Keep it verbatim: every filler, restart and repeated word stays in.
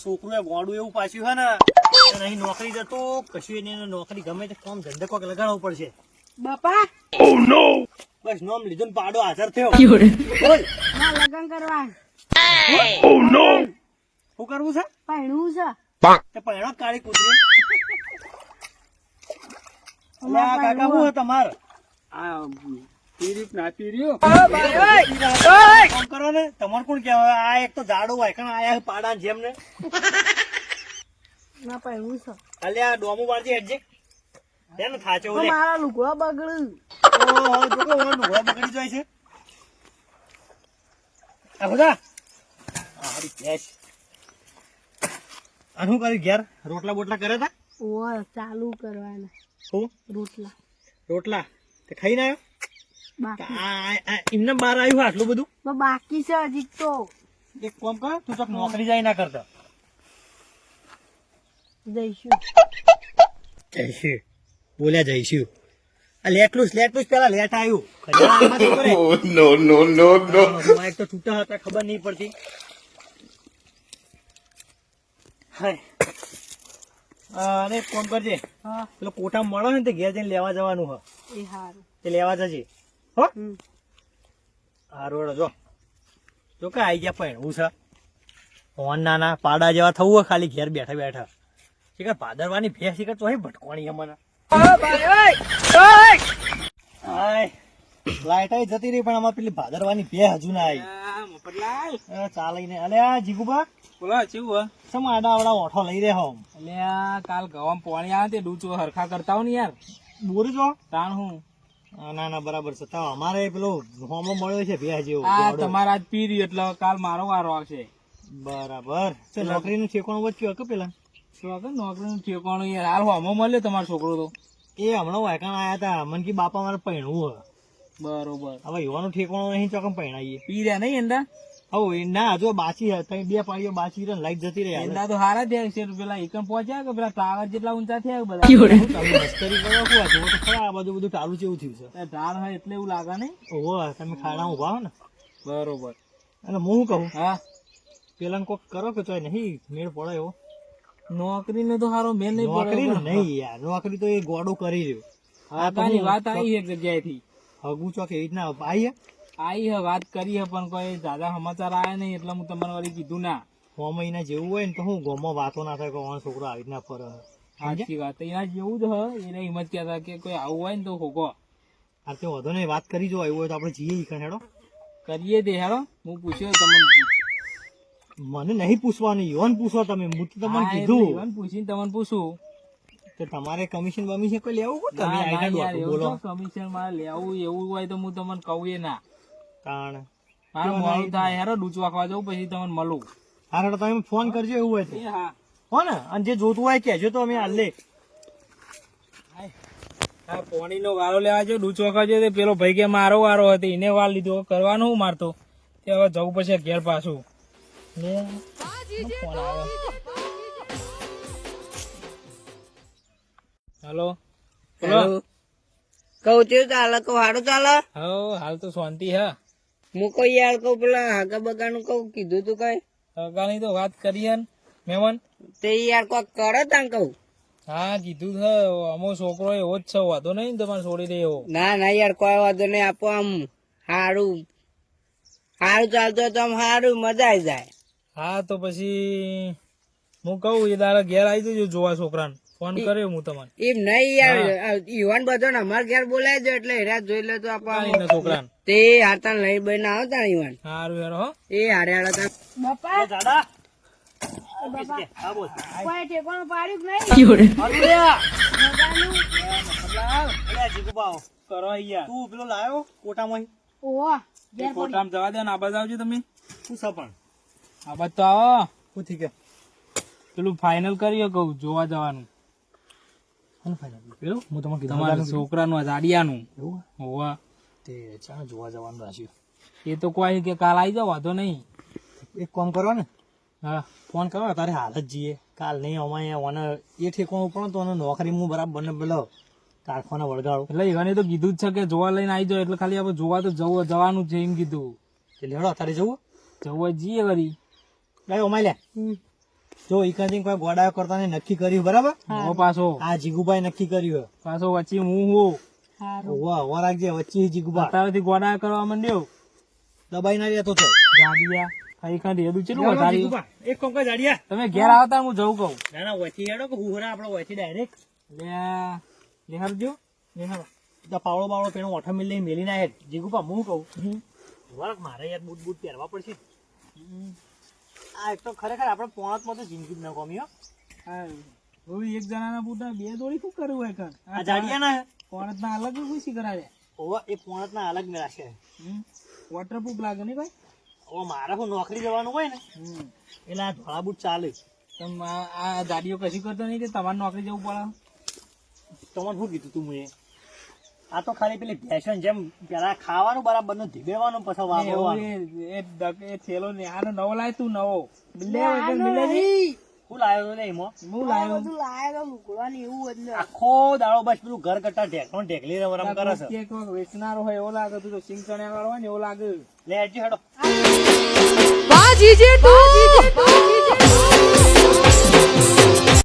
છોકરું ગોડું એવું પાછું હે ને નહીં નોકરી જતો કશું એને નોકરી ગમે તે કામ ધંધે કોક લગાડવો પડશે. બાપા બસ નોમ લીધું ને પાડો હાજર થયો. ના લગન કરવા શું કરવું છે? પહેણવું છે. તે પહેણો કાળી કૂતરી. અલ્યા કાકા હું હે તમાર આ પીરી ના પીર્યો કામ કરો ને તમારે કોણ કહેવાય? આ એક તો જાડો હોય કણ આયા પાડા જેમ ને. ના પહેણવું છે. અલ્યા ડોમું વાળજી હેડજે તેને થાચો તો લે. મારા લુગવા બગડ્યું. ઓહો જો કો ઓનો ઢોળા બગડી જાય છે. આ બધા આ હરી કેશ આનું કરી ઘેર રોટલા બોટલા કરે તા ઓય ચાલુ કરવાના હું રોટલા રોટલા તે ખાઈ ના બાકી આવ્યો એમને બહાર આવ્યું આટલું બધું. તો બાકી છે હજી તો. એક કામ કર તું તો નોકરી જાય ના કરતા જઈશું. જઈશું બોલ્યા જઈશું. આ લેટલું લેટલું પેલા લેટ આવ્યું. ખજાનામાં તો કરે. નો નો નો નો માઇક તો છૂટા હતા ખબર નહીં પડતી. હાય અરે એક કામ કરજે હા પેલો કોટા મળે ને તે ઘેર જઈને લેવા જવાનું હ એ હારું. તે લેવા જજે હો. હમ. હારું હેડો જો જો કે આઈ ગયા પણ હું છે ફોન નાના પાડા જેવા થવું હોય ખાલી ઘેર બેઠા બેઠા શીખર ભાદરવાની ભેંસ શીખર તો ભટકવાની અમને. લાઈટ આઈ જતી રહી પણ આમાં પેલી ભાદરવાની ભેંસ હજુ ના આવી. મફતલાલ ચાલી ને અલે આ જીગુબા બોલો ચેવું સમ આડા આવડા ઓઠો લઈ રહ્યો હું એટલે આ કાલ ગવામ પાણી આવે તે ડૂચો હરખા કરતા હો ને યાર બોર જો. તાણ હું ના ના બરાબર છે. તો અમારે પેલો હોમો મળ્યો છે ભેંસ જેવો આ દોડો. તમારા જ પીરી એટલે કાલ મારો વારો આવશે. બરાબર તો નોકરીનું ઠેકાણું વચ્ચું કે પેલા શું આગળ નોકરીનું ઠેકાણું યાર હાલ હોમો મળ્યો તમારો છોકરો તો. એ હમણાં વાયકાણ આયા હતા મન કી બાપા મારે પૈણવું હ બરોબર હવે યુવાનું ઠેકાણું નહીં ચોકમ પૈણાઈએ. પીર્યા નહીં એંડા હવે એ ના જો બાચી હે તઈ બે પાડીઓ બાચી રહે લાઈટ જતી રહે. એંડા તો હારા થયા છે પેલા એકમ પહોંચ્યા કે પેલા ટાવર જેટલા ઊંચા થયા બધા તમે મસ્કરી કરો કુવા જો તો ખરા આ બધું બધું ચાલુ જેવું થયું છે. ઢાળ હોય એટલે એવું લાગે નહીં. ઓહો તમે ખાડા ઉભા હો ને બરોબર અને હું શું કહું હા પેલા કોક કરો કે તોય નહીં મેળ પડે એવો. નોકરી ને તો હારો મેન નહીં નોકરી પડે. નહીં યાર નોકરી તો એ ગોડું કરી રહ્યું. હા તારી વાત આવી એક જગ્યાએથી હગું ચોક એવી રીતના આવીએ આવી હે વાત કરી હે પણ કોઈ દાદા સમાચાર આયા નહીં એટલે હું તમને વળી કીધું ના. છ મહિના જેવું હોય ને તો હું ગોમાં વાતો ના થાય કે ઓનો છોકરો આવી રીતના ફરે. સાચી વાત એના જેવું જ હ એને એમ જ કહેતા કે કોઈ આવું હોય ને તો હોગો આ તે વધુ નહીં વાત કરી જો એવું હોય તો આપણે જઈએ ઈ કણ હેડો. કરીએ દે હેડો. હું પૂછ્યો તમને મને નહીં પૂછવાનું યુવાન પૂછો તમે હું તો તમને હા, એટલે કીધું ઈવન પૂછીને તમને પૂછું. તો તમારે કમિશન બમિશન કોઈ લેવું હોય તમે ના, ના આઈડિયા યાર, દોઢું એવું બોલો તો કમિશન મારે લેવું એવું હોય તો હું તમને કહું એ ના. તાણ મારે મોડું થાય હેરો ડૂચ વાગવા જવું પછી તમને મળું. હા હેડો તમે ફોન કરજો એવું હોય તો એ હા હો ને અને જે જોતું હોય કહેજો તો અમે હાલ લે. હા પોણી નો વારો લેવા જો ડૂચ વાગવા જો પેલો ભાઈ કે મારો વારો હતો એને વાર લીધો કરવાનું હું મારતો તે હવે જવું પછી ઘેર પાછું. લે ફોન આવ્યો. હેલો બોલો. કઉ છું ચાલે કઉ હારું ચાલે. હા હાલ તો શાંતિ હે. હું કઉ યાર કઉ પેલા હાગા બગા નું કઉ કીધું તું કઈ સગાની તો વાત કરી હે ને મહેમાન. તે યાર કોક કરો તાં કઉ. હા કીધું છે અમો છોકરો એવો જ છે વાંધો નહીં ને તમારે છોડી દે એવો. ના ના યાર કોઈ વાંધો નહીં આપો આમ હારું હારું ચાલતું હોય તો આમ હારું મજા આવી જાય. હા તો પછી હું કહું એ તારા ઘેર આવી જજો જોવા છોકરાને ફોન કર્યો હું તમને. એમ નહીં યાર યુવાન બધો ને અમારે ઘેર બોલાય જો એટલે હેરા જોઈ લે તો એના છોકરાને તે હારતા લઈ બને આવતા યુવાન સારું યાર હો. એ હારે હારે બાપા એ દાદા હા બોલ કોઈ ઠેકાણું પાડ્યું કે નહીં? અલ્યા જીગુબા કરો યાર તું પેલો લાયો કોટામાં ઓહો એ કોટામાં જવા દે ને આ બાજુ આવજો તમે. શું છે પણ આ બાજુ તો આવો શું થઈ ગયા પેલું ફાઇનલ કરીએ કહું જોવા જવાનું હું ફાઇનલ પેલું હું તમને કીધું તમારા છોકરાનું આ જાડિયાનું. એવું હોવા તે ચાલ જોવા જવાનું રાખ્યું. એ તો કોઈ કે કાલ આવી જાવ વાંધો નહીં. એક કામ કરો ને હા ફોન કરો તારે હાલ જ જઈએ કાલ નહીં અમારે ઓને એ ઠેકવાનું પણ તો એને નોકરી હું બરાબર બને પેલો કારખાના વળગાડો એટલે એને તો કીધું જ છે કે જોવા લઈને આવી જાવ એટલે ખાલી આપણે જોવા તો જવું જવાનું છે એમ કીધું. એટલે હેડો તારે જવું જવું હોય જઈએ વળી. ગાય અમાય લે જો ઈકાથી કોઈ ગોડાયો કરતા નહીં નક્કી કર્યું બરાબર હું પાછો આ જીગુભાઈ નક્કી કર્યું પાછો વચ્ચે હું હું હારું વાહ વાહ રાખજે વચ્ચે જીગુભા અત્યારથી ગોડા કરવા માંડ્યો દબાઈ ના રહેતો તો ગાડિયા ખાઈ ખાઈ હેદું ચેટલું વધાર્યું જીગુભા એક કોમ કર જાડિયા તમે ઘેર આવતા હું જવું કહું ના ના વચ્ચે હેડો કે હુહરા આપણો વચ્ચે ડાયરેક્ટ લે નિહાળજો નિહાળ તો પાવળો બાવળો પેણો ઓઠા મિલ લઈને મેલી ના હેડ જીગુભા હું કહું વળક મારે યાર બૂટ બૂટ પહેરવા પડશે આ એક તો ખરેખર આપણે પોણતમાં તો જિંદગી જ ન ગમી હો હા ઓલી એક જણાના બૂટા બે દોડી શું કર્યું હોય કણ આ જાડિયા ના પોણત ના અલગ ખુશી કરાવે ઓવા એ પોણતના અલગ મેળા છે વોટરપ્રૂફ લાગે ને ભાઈ ઓ મારે હું નોકરી જવાનું હોય ને એટલે આ ધોળા બૂટ ચાલે તમ આ આ ગાડીઓ કશી કરતો નહીં કે તમારે નોકરી જવું પડે તમને શું કીધું તું મેં આ તો ખાલી પેલી ફેશન જેમ પેલા ખાવાનું બરાબર નું ધીબેવાનું પછી વાગવાનું એ- એ ડગ- એ થેલો ને આનો નવો લાય તું નવો મિલે એટલે મિલે નહીં. શું લાવ્યો ને એમાં હું લાયો બધું લાયા તો મૂકવાની એવું જ ને આખો દાડો બસ પેલું ઘર કટ્ટા ઢેકણો ઢેકલી રમ કરે છે કે કોઈક વેચનારો હોય એવો લાગે તું તો સિંગ ચણ્યા વાળો હોય ને એવો લાગે લે હજી હેડો બાજી જે તું